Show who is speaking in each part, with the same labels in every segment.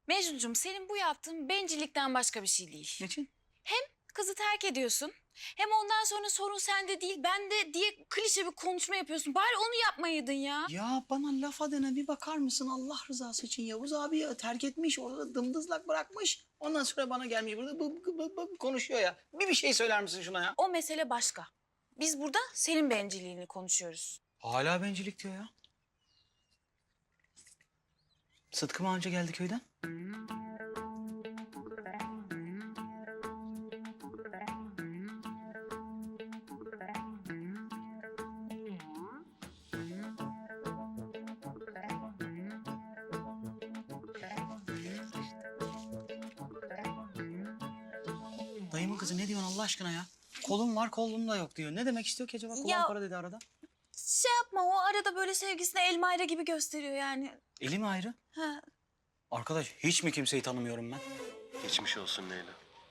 Speaker 1: Mecnuncuğum senin bu yaptığın bencillikten başka bir şey değil.
Speaker 2: Niçin?
Speaker 1: Kızı terk ediyorsun. Hem ondan sonra sorun sende değil bende diye klişe bir konuşma yapıyorsun. Bari onu yapmayaydın ya.
Speaker 2: Ya bana laf adına bir bakar mısın Allah rızası için? Yavuz abi ya terk etmiş, orada dımdızlak bırakmış. Ondan sonra bana gelmiş burada konuşuyor ya. Bir şey söyler misin şuna ya?
Speaker 1: O mesele başka. Biz burada senin bencilliğini konuşuyoruz.
Speaker 2: Hala bencillik diyor ya. Sıtkı mı anca geldi köyden? Dayımın kızı ne diyorsun Allah aşkına ya? Kolum var, kolum da yok diyor. Ne demek istiyor ki acaba? Kulağım
Speaker 1: Ya-
Speaker 2: para dedi arada.
Speaker 1: Şey yapma o arada böyle sevgisine el mayra gibi gösteriyor yani.
Speaker 2: Eli mi ayrı?
Speaker 1: Ha.
Speaker 2: Arkadaş hiç mi kimseyi tanımıyorum ben?
Speaker 3: Geçmiş olsun Leyla.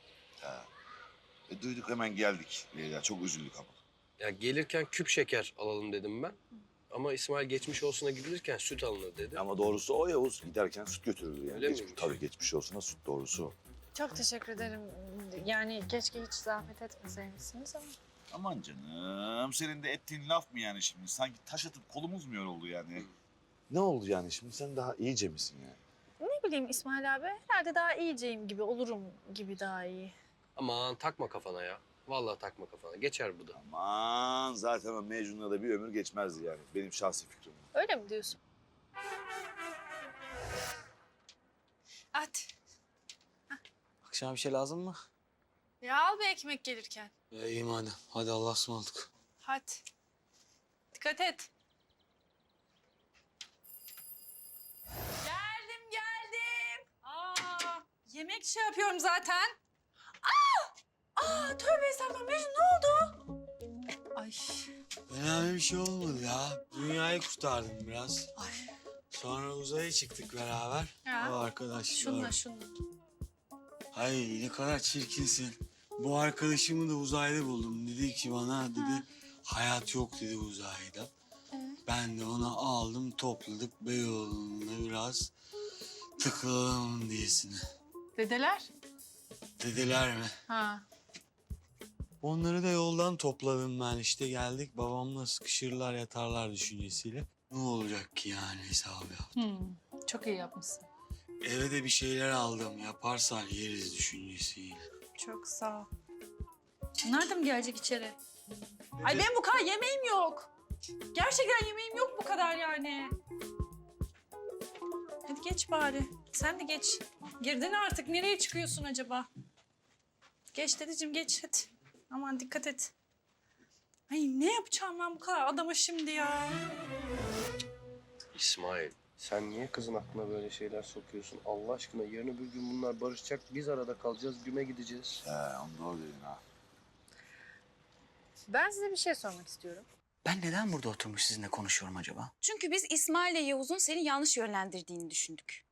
Speaker 4: Duyduk hemen geldik Leyla. Çok üzüldük ama.
Speaker 3: Ya gelirken küp şeker alalım dedim ben. Ama İsmail geçmiş olsuna gidilirken süt alınır dedi.
Speaker 4: Ama doğrusu o Yavuz giderken süt götürürdü yani.
Speaker 3: Öyle miymiş?
Speaker 4: Tabii geçmiş olsuna süt doğrusu o.
Speaker 5: Çok teşekkür ederim. Yani keşke hiç zahmet etmeseymişsiniz ama.
Speaker 4: Aman canım senin de ettiğin laf mı yani şimdi? Sanki taş atıp kolumuz mu yoruldu yani? Ne oldu yani şimdi? Sen daha iyice misin yani?
Speaker 5: Ne bileyim İsmail abi, herhalde daha iyiceyim gibi, olurum gibi daha iyi.
Speaker 3: Aman takma kafana ya. Vallahi takma kafana. Geçer bu da.
Speaker 4: Aman zaten o Mecnun'la da bir ömür geçmezdi yani. Benim şahsi fikrim.
Speaker 5: Öyle mi diyorsun?
Speaker 6: At.
Speaker 2: Akşama bir şey lazım mı?
Speaker 6: Ya al bir ekmek gelirken.
Speaker 2: İyi madem. Hadi Allah'a ısmarladık.
Speaker 6: Hadi. Dikkat et. Geldim. Yemek şey yapıyorum zaten. Tövbe estağfurullah. Mecnun ne oldu? Ay.
Speaker 7: Önemli bir şey olmadı ya. Dünyayı kurtardım biraz.
Speaker 6: Ay.
Speaker 7: Sonra uzaya çıktık beraber.
Speaker 6: Ya.
Speaker 7: O arkadaşlar.
Speaker 6: Şunla.
Speaker 7: Ay ne kadar çirkinsin. Bu arkadaşımı da uzayda buldum. Dedi ki bana dedi hayat yok dedi uzayda. Ben de onu aldım topladık Beyoğlu'nda biraz tıkılalım diyesine.
Speaker 6: Dedeler?
Speaker 7: Dediler mi?
Speaker 6: Ha.
Speaker 7: Onları da yoldan topladım ben işte geldik babamla sıkışırlar yatarlar düşüncesiyle. Ne olacak ki yani hesabı yaptım.
Speaker 6: Çok iyi yapmışsın.
Speaker 7: Eve de bir şeyler aldım yaparsan yeriz düşüncesiyle.
Speaker 6: Çok sağ ol. Nereden gelecek içeri? Ay benim bu kadar yemeğim yok. Gerçekten yemeğim yok bu kadar yani. Hadi geç bari. Sen de geç. Girdin artık. Nereye çıkıyorsun acaba? Geç dedeciğim geç hadi. Aman dikkat et. Ay ne yapacağım ben bu kadar adama şimdi ya?
Speaker 3: İsmail, sen niye kızın aklına böyle şeyler sokuyorsun? Allah aşkına yarın öbür gün bunlar barışacak. Biz arada kalacağız, güme gideceğiz.
Speaker 4: Onu doğru dedin ha.
Speaker 5: Ben size bir şey sormak istiyorum.
Speaker 2: Ben neden burada oturmuş sizinle konuşuyorum acaba?
Speaker 1: Çünkü biz İsmail ile Yavuz'un seni yanlış yönlendirdiğini düşündük.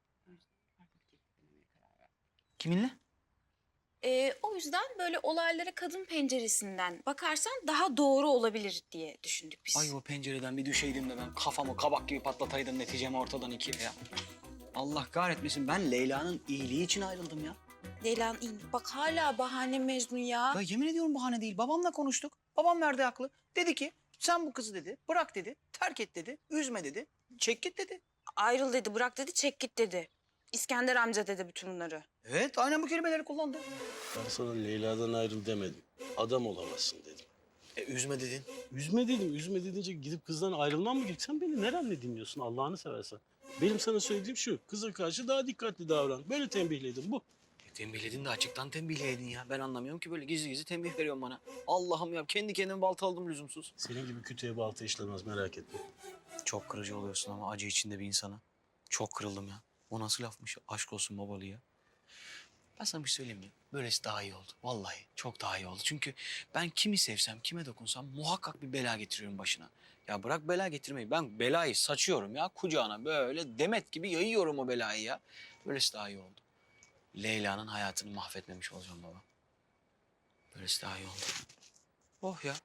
Speaker 2: Kiminle?
Speaker 1: O yüzden böyle olaylara kadın penceresinden bakarsan daha doğru olabilir diye düşündük biz.
Speaker 2: Ay o pencereden bir düşeydim de ben kafamı kabak gibi patlataydım neticemi ortadan ikiye ya. Allah kahretmesin ben Leyla'nın iyiliği için ayrıldım ya.
Speaker 1: Leyla'nın iyi. Bak hala bahane Mecnun ya.
Speaker 2: Ya yemin ediyorum bahane değil. Babamla konuştuk. Babam verdi haklı. Dedi ki sen bu kızı dedi bırak dedi. Terk et dedi. Üzme dedi. Çek git dedi.
Speaker 1: Ayrıl dedi, bırak dedi, çek git dedi. İskender amca dedi bütün bunları.
Speaker 2: Evet aynen bu kelimeleri kullandı.
Speaker 8: Ben sana Leyla'dan ayrıl demedim. Adam olamazsın dedim.
Speaker 2: Üzme dedin.
Speaker 8: Üzme dedim. Üzme dedince gidip kızdan ayrılmam mı gerek? Sen beni nerenle dinliyorsun Allah'ını seversen? Benim sana söylediğim şu. Kıza karşı daha dikkatli davran. Böyle tembihledim bu.
Speaker 2: Tembihledin de açıktan tembihledin ya. Ben anlamıyorum ki böyle gizli gizli tembih veriyorsun bana. Allah'ım ya kendi kendime baltaladım lüzumsuz.
Speaker 8: Senin gibi kütüğe balta işlemez merak etme.
Speaker 2: Çok kırıcı oluyorsun ama acı içinde bir insana. Çok kırıldım ya. O nasıl lafmış? Aşk olsun babalı ya. Ben sana bir şey söyleyeyim mi? Böylesi daha iyi oldu. Vallahi çok daha iyi oldu. Çünkü ben kimi sevsem, kime dokunsam muhakkak bir bela getiriyorum başına. Ya bırak bela getirmeyi. Ben belayı saçıyorum ya kucağına. Böyle demet gibi yayıyorum o belayı ya. Böylesi daha iyi oldu. Leyla'nın hayatını mahvetmemiş olacağım baba. Böylesi daha iyi oldu. Oh ya.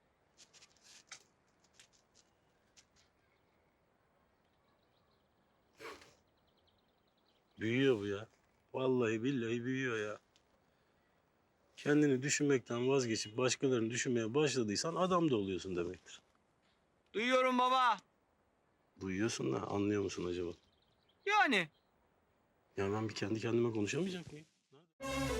Speaker 8: Büyüyor bu ya. Vallahi billahi büyüyor ya. Kendini düşünmekten vazgeçip başkalarını düşünmeye başladıysan adam da oluyorsun demektir.
Speaker 2: Duyuyorum baba.
Speaker 8: Duyuyorsun da anlıyor musun acaba?
Speaker 2: Yani.
Speaker 8: Ya ben bir kendi kendime konuşamayacak mıyım?